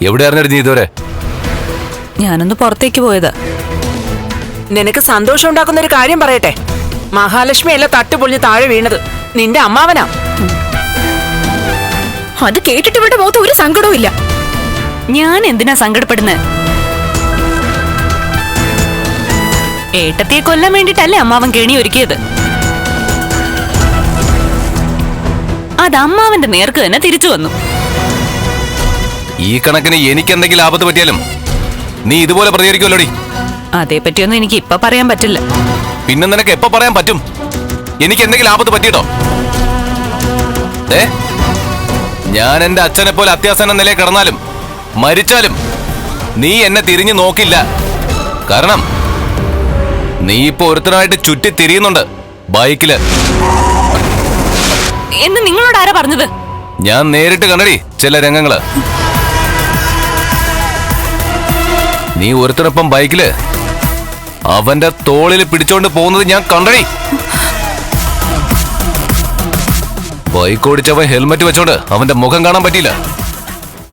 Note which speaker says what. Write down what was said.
Speaker 1: എവിടെ അറിഞ്ഞടി നീ ഇതുവരെ?
Speaker 2: ഞാനൊന്ന് പുറത്തേക്ക് പോയതാ.
Speaker 3: നിനക്ക് സന്തോഷം ഉണ്ടാക്കുന്ന ഒരു കാര്യം പറയട്ടെ. മഹാലക്ഷ്മി അല്ല തട്ടുപൊളിഞ്ഞ് താഴെ വീണത്, നിന്റെ അമ്മാവനാ.
Speaker 2: അത് കേട്ടിട്ട് ഇവിടെ മുഖത്ത് ഒരു സങ്കടവും ഇല്ല. ഞാൻ എന്തിനാ സങ്കടപ്പെടുന്നത്? ഏട്ടത്തിയെ കൊല്ലാൻ വേണ്ടിട്ടല്ലേ അമ്മാവൻ കെണി ഒരുക്കിയത്. അത് അമ്മാവന്റെ നേർക്ക് തന്നെ തിരിച്ചു വന്നു.
Speaker 1: ഈ കണക്കിന് എനിക്ക് എന്തെങ്കിലും ആപത്ത് പറ്റിയാലും നീ ഇതുപോലെ പ്രതികരിക്കുമല്ലോടി.
Speaker 2: അതേപ്പറ്റിയൊന്നും എനിക്ക് ഇപ്പൊ പറയാൻ പറ്റില്ല.
Speaker 1: പിന്നെ നിനക്ക് എപ്പോ പറയാൻ പറ്റും? എനിക്ക് എന്തെങ്കിലും ആപത്ത് പറ്റിയിട്ടോ? ഞാൻ എന്റെ അച്ഛനെ പോലെ അത്യാസന്ന നിലയിൽ കിടന്നാലും മരിച്ചാലും നീ എന്നെ തിരിഞ്ഞു നോക്കില്ല. കാരണം നീ ഇപ്പൊ ഒരുത്തനായിട്ട് ചുറ്റി തിരിയുന്നുണ്ട് ബൈക്കില്.
Speaker 2: എന്ന് നിങ്ങളോട് ആരാ പറഞ്ഞത്?
Speaker 1: ഞാൻ നേരിട്ട് കണ്ടടി ചില രംഗങ്ങള്. നീ ഒരുത്തനൊപ്പം ബൈക്കില് അവന്റെ തോളിൽ പിടിച്ചോണ്ട് പോകുന്നത് ഞാൻ കണ്ടടി. ബൈക്ക് ഓടിച്ചവൻ ഹെൽമെറ്റ് വെച്ചോണ്ട് അവന്റെ മുഖം കാണാൻ പറ്റിയില്ല.